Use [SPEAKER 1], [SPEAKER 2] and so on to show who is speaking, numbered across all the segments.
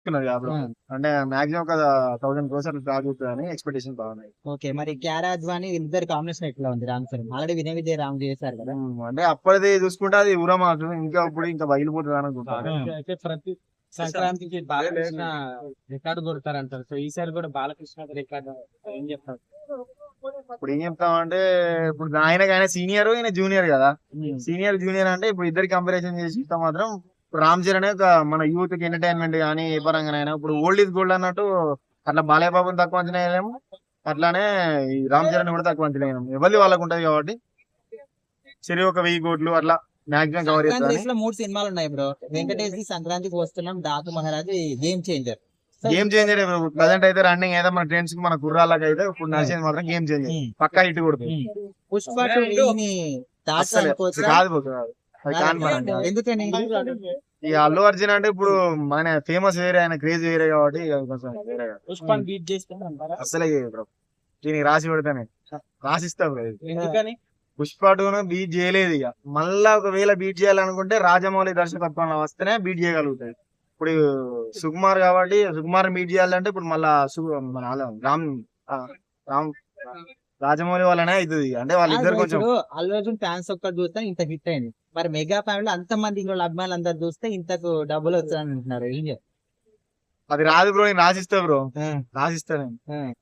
[SPEAKER 1] Bro. అంటే maximum ఒక 1000 క్రోర్స్ అట్లా తాగుతుందని ఎక్స్పెక్టేషన్ బాగున్నాయి.
[SPEAKER 2] ఓకే, మరి కియారా అద్వాని ఇద్దరు కాంబినేషన్ ఎట్లా ఉంది రామ్ చరణ్? ఆల్రెడీ వినయ్ విజయ్ రామ్ చేశారు కదా.
[SPEAKER 1] అంటే అప్పటిది చూసుకుంటే అది ఊరమాసు ఇంకా ఇప్పుడు ఇంకా బయలుపోతుంది అనుకుంటాను.
[SPEAKER 3] అయితే ప్రతి సంక్రాంతికి బాలకృష్ణ రికార్డు కొడతారంటారు. సో ఈసారి కూడా బాలకృష్ణ రికార్డు ఏం చెప్తారు?
[SPEAKER 1] ఇప్పుడు ఏం చెప్తామంటే ఇప్పుడు ఆయన సీనియర్ ఈయన జూనియర్ కదా. సీనియర్ జూనియర్ అంటే ఇప్పుడు ఇద్దరు కంపారిజన్ చేసి చూస్తే మాత్రం ఇప్పుడు రామ్ చరణ్ ఒక మన యూత్ కి ఎంటర్టైన్మెంట్ కానీ ఏ పరంగానైనా ఇప్పుడు ఓల్డ్ ఈజ్ గోల్డ్ అన్నట్టు అట్లా బాలయ్య బాబుని తక్కువ అంచనా వేయలేము, అట్లానే ఈ రామ్ చరణ్ కూడా తక్కువ అంచనా వేయలేము. ఎవరి వాళ్ళకు ఉంటది కాబట్టి సరే ఒక 1000 కోట్లు అట్లా మాక్సిమం కవర్
[SPEAKER 2] సంక్రాంతి
[SPEAKER 1] చేస్తాను.
[SPEAKER 2] లో 3 సినిమాలు ఉన్నాయి బ్రో. వెంకటేష్ ది సంక్రాంతికి వస్తున్నాం, Daaku Maharaj, game changer.
[SPEAKER 1] Game changer present అయితే రన్నింగ్ అయితే మన ట్రెండ్స్ కి మన కుర్రాళ్ళకి అయితే ఇప్పుడు నడిచేది మాత్రం గేమ్ చేంజర్ పక్కా ఇటు కొడుతుంది.
[SPEAKER 2] పుష్ప 2 దాకా
[SPEAKER 1] అసలు
[SPEAKER 2] అనుకోవచ్చా?
[SPEAKER 1] కాదు bro, కాదు. అది కాని పని కాదు.
[SPEAKER 2] ఎందుకని?
[SPEAKER 1] ఈ అల్లు అర్జున్ అంటే ఇప్పుడు మన ఫేమస్ వేరే ఆయన క్రేజ్ వేరే కాబట్టి ఇక కొంచెం వేరే కాదు.
[SPEAKER 3] పుష్పాన్ని బీట్ చేస్తారంటారా?
[SPEAKER 1] అసలే బ్రో దీనికి రాసి పెడతానే రాసిస్తా బ్రో.
[SPEAKER 3] ఎందుకని?
[SPEAKER 1] పుష్ప 2 బీట్ చేయలేదు. ఇక మళ్ళా ఒకవేళ బీట్ చేయాలనుకుంటే రాజమౌళి దర్శకత్వంలో వస్తేనే బీట్ చేయగలుగుతాయి. ఇప్పుడు సుకుమార్ కాబట్టి సుకుమార్ బీట్ చేయాలంటే ఇప్పుడు మళ్ళా మన రామ్ ఆ, రామ్ రాజమౌళి వల్లనే అవుతుంది. అంటే వాళ్ళిద్దరు కొంచెం
[SPEAKER 2] ఇప్పుడు అల్లు అర్జున్ ఫ్యాన్స్ ఒక్కటి చూస్తే ఇంత హిట్ అయింది. మరి మెగా ఫ్యామిలీ అంత మంది ఇంట్లో అభిమానులు అందరు చూస్తే ఇంతకు డబ్బులు వచ్చాయని అంటున్నారు. ఏం చెప్తారు?
[SPEAKER 1] అది రాదు బ్రో, నేను రాసిస్తా బ్రో, రాసిస్తా నేను.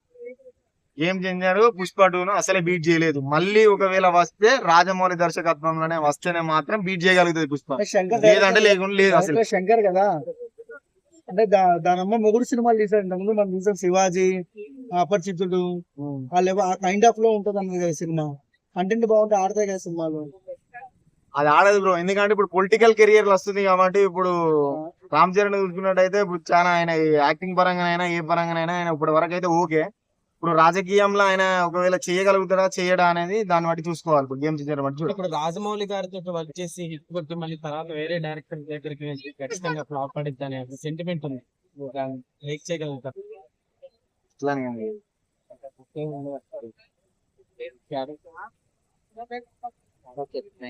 [SPEAKER 1] గేమ్ చేంజర్ పుష్ప 2 అసలే బీట్ చేయలేదు. మళ్ళీ ఒకవేళ వస్తే రాజమౌళి దర్శకత్వంలోనే వస్తేనే మాత్రం బీట్ చేయగలుగుతుంది పుష్ప, లేదంటే లేకుండా లేదు అసలు.
[SPEAKER 4] శంకర్ కదా, అంటే దాని అమ్మ మొగుడు సినిమాలు తీసాడు. ఇంతకుముందు మనం చూసాం శివాజీ, అపరిచితుడు, వాళ్ళు ఆ కైండ్ ఆఫ్ లో ఉంటది అన్నది కదా సినిమా. కంటెంట్ బాగుంటే ఆడతాయి కదా సినిమాలు.
[SPEAKER 1] అది ఆడదు బ్రో, ఎందుకంటే ఇప్పుడు పొలిటికల్ కెరియర్ వస్తుంది కాబట్టి. ఇప్పుడు రామ్ చరణ్ చూసుకున్నట్టయితే ఇప్పుడు చాలా ఆయన యాక్టింగ్ పరంగానైనా ఏ పరంగానైనా ఆయన ఇప్పటి వరకు అయితే ఓకే. ఇప్పుడు రాజకీయంలో ఆయన ఒకవేళ చేయగలుగుతాడా చేయడా అనేది దాన్ని బట్టి చూసుకోవాలి. ఇప్పుడు గేమ్ చేంజర్ బట్టి చూడాలి.
[SPEAKER 3] ఇప్పుడు రాజమౌళి గారితో వర్క్ చేసి హిట్ కొట్టి మళ్ళీ తర్వాత వేరే డైరెక్టర్ దగ్గరికి వెళ్ళి ఖచ్చితంగా ఫ్లాప్ పడిద్ది అనే సెంటిమెంట్ ఉంది. బ్రేక్ చేయగలుగుతారు.
[SPEAKER 1] ఇట్లానే
[SPEAKER 2] ఓకే.